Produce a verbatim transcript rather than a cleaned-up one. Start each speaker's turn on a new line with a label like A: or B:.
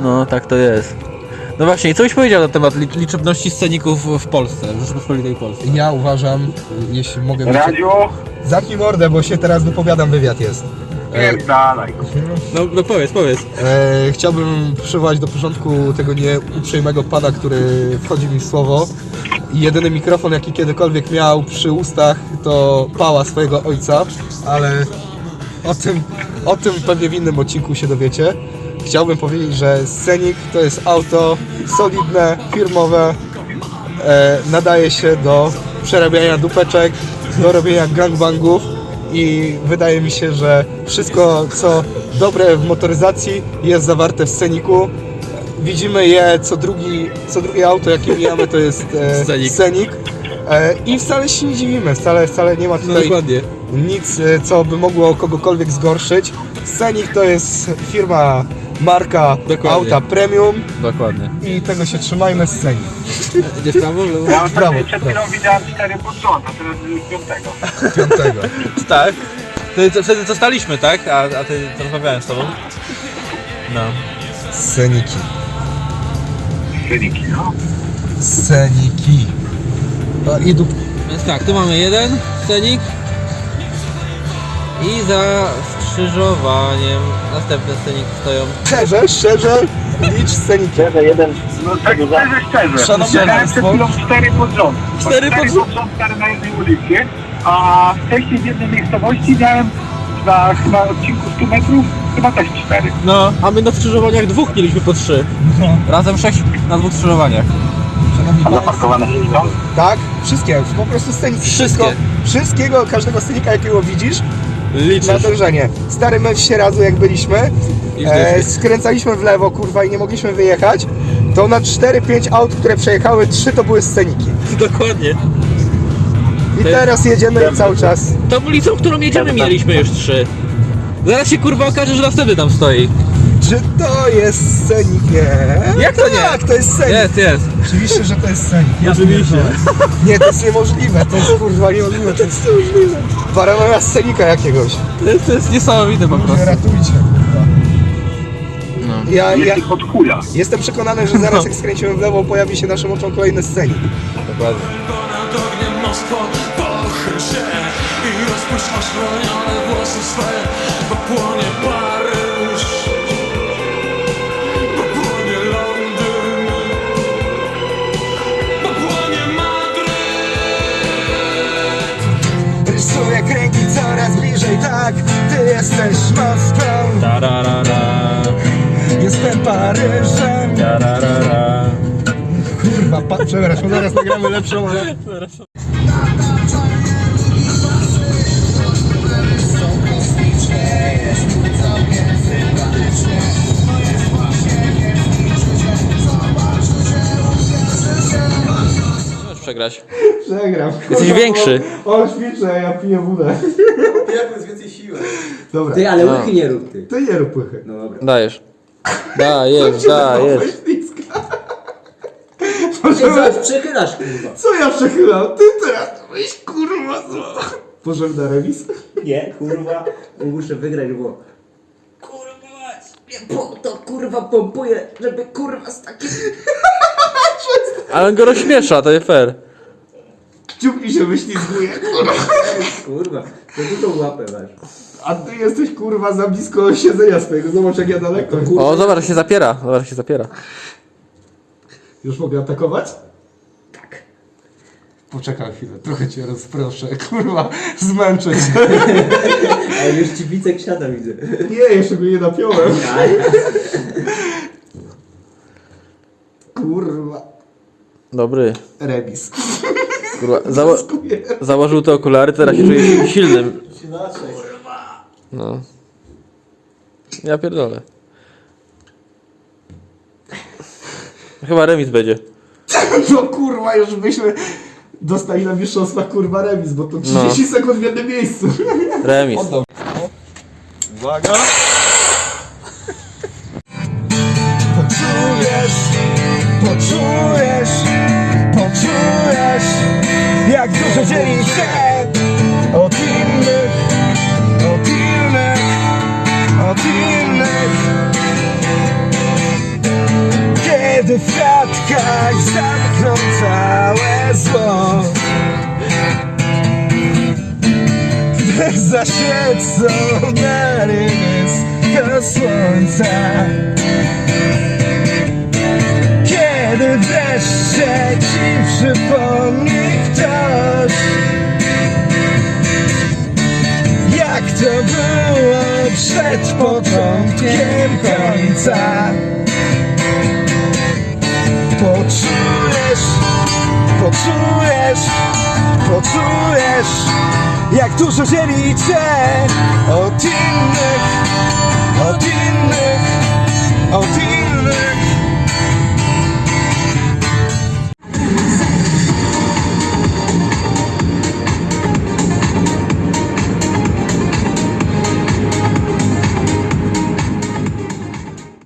A: No, tak to jest. No właśnie, i co byś powiedział na temat li liczebności sceników w Polsce, w Rzeczypospolitej Polsce?
B: Ja uważam, jeśli mogę...
C: Radziu?
B: Zamknij mordę, bo się teraz wypowiadam, wywiad jest.
C: Pierdalaj.
A: No, no powiedz, powiedz.
B: E, chciałbym przywołać do porządku tego nieuprzejmego pana, który wchodzi mi w słowo. I jedyny mikrofon, jaki kiedykolwiek miał przy ustach, to pała swojego ojca, ale o tym, o tym pewnie w innym odcinku się dowiecie. Chciałbym powiedzieć, że Scenic to jest auto solidne, firmowe, e, nadaje się do przerabiania dupeczek, do robienia gangbangów i wydaje mi się, że wszystko co dobre w motoryzacji jest zawarte w Scenicu. Widzimy je co, drugi, co drugie auto jakie mijamy to jest e,
A: Scenic.
B: Scenic. E, I wcale się nie dziwimy, wcale, wcale nie ma
A: No
B: tutaj
A: dokładnie.
B: nic, e, co by mogło kogokolwiek zgorszyć. Scenic to jest firma, marka
A: Dokładnie.
B: auta premium
A: Dokładnie.
B: i tego się trzymajmy, Scenic.
A: Gdzie w prawo, w lewo?
C: Ja
B: Brawo,
C: ostatnio przed chwilą widziałem cztery pod rząd, a teraz już piątego.
B: Piątego.
A: Tak. Wtedy, to, wtedy to staliśmy, tak? A, a ty to rozmawiałem z tobą. No.
B: Sceniki.
C: Wyniki, no.
B: Sceniki. No i dup...
A: Więc tak, tu mamy jeden scenik. I za skrzyżowaniem następne sceniki stoją.
B: Szczerze, szczerze, licz Sceniki.
C: Szczerze, jeden. No tak szczerze, szczerze.
B: Szanowni
C: Widziałem
B: państwo.
C: przed chwilą cztery pod rząd.
A: Cztery pod rząd?
C: pod rząd, cztery na jednej ulicy. A wcześniej w jednej miejscowości miałem na chyba odcinku stu metrów chyba też cztery.
A: No, a my na skrzyżowaniach dwóch mieliśmy po trzy.
B: No.
A: Razem sześć na dwóch skrzyżowaniach.
B: Szanowni
C: A
B: państwo.
C: zaparkowane się stąd?
B: Tak, wszystkie, po prostu Scenicy.
A: Wszystkie.
B: Wszystko, wszystkiego, każdego Scenika jakiego widzisz, na
A: Liczysz.
B: dążenie. Stary mecz się razu jak byliśmy,
A: I
B: e,
A: zdechli.
B: skręcaliśmy w lewo, kurwa, i nie mogliśmy wyjechać, to na cztery pięć aut, które przejechały, trzy to były Sceniki.
A: Dokładnie.
B: I
A: To jest-
B: teraz jedziemy i cały czas.
A: Tą ulicą, którą jedziemy, mieliśmy już trzy. Zaraz się kurwa okaże, że następny tam stoi.
B: Czy to jest Scenik? Nie.
A: Jak to nie?
B: Tak, to jest Scenik.
A: Jest, jest.
B: Oczywiście, że to jest Scenik. Ja
A: Oczywiście.
B: pierdolę. Nie, to jest niemożliwe, to jest kurwa niemożliwe, to jest niemożliwe. Paranoja Scenika jakiegoś.
A: To jest, to jest niesamowite po prostu.
B: Ratujcie, kurwa.
A: No.
B: Ja, ja
C: Jest ich od chuja.
B: jestem przekonany, że zaraz jak skręcimy w lewo, pojawi się naszym oczom kolejny Scenik.
A: Dokładnie.
D: Ponad ogniem Moskwo, pochyl się i rozpuść oszronione włosy swe, bo płonie Paryż, bo płonie Londyn, bo płonie Madryt.
B: Rysuję kręgi coraz bliżej, tak, ty jesteś Moskwą,
A: Tararara,
B: jestem Paryżem.
A: tararara.
B: Kurwa, pa, przepraszam, zaraz nagramy lepszą, ale...
A: Możesz przegrać.
B: Przegram.
A: Jesteś większy.
B: On ćwiczy, a ja piję wódę.
E: Jak jest więcej siły.
B: Dobra,
E: Ty, ale
A: No.
E: łychy nie rób ty.
B: ty nie rób pychy.
E: No dobra.
A: Dajesz. Dajesz, dajesz.
E: Ty zaraz przechylasz kurwa.
B: Co ja przechylam? Ty teraz weź kurwa zło. Pożem na remis?
E: Nie, kurwa. Muszę wygrać, bo... Kurwa, mnie po to kurwa pompuje, żeby kurwa z takim...
A: Ale on go rozśmiesza, to nie fair.
B: Kciuk mi się wyślizguje.
E: Kurwa, to ty tą łapę masz.
B: A ty jesteś kurwa za blisko siedzenia swojego. Zobacz jak ja daleko.
A: O, zobacz, jak się zapiera. Zobacz, jak się zapiera.
B: Już mogę atakować? Tak. Poczekaj chwilę, trochę cię rozproszę. Kurwa, zmęczę cię.
E: Ale już ci bicek siada widzę.
B: Nie, jeszcze go nie napiąłem. Kurwa.
A: Dobry.
B: Remis.
A: Kurwa, zało
B: Dziękuję.
A: założył te okulary, teraz się czuje silnym. No. Ja pierdolę. Chyba remis będzie.
B: No kurwa, już byśmy dostali na mistrzostwach kurwa remis, bo to trzydzieści
A: No.
B: sekund w jednym miejscu.
A: Remis.
B: Uwaga. Poczujesz, poczujesz, poczujesz, jak dużo dzieli się od innych, od innych, od innych. kiedy w kratkach zamkną całe zło, gdy zaświecą na rybysko słońca, kiedy wreszcie ci przypomni ktoś, jak to było przed początkiem końca. Poczujesz, poczujesz, poczujesz, jak dużo dzieli cię od innych, od innych, od innych.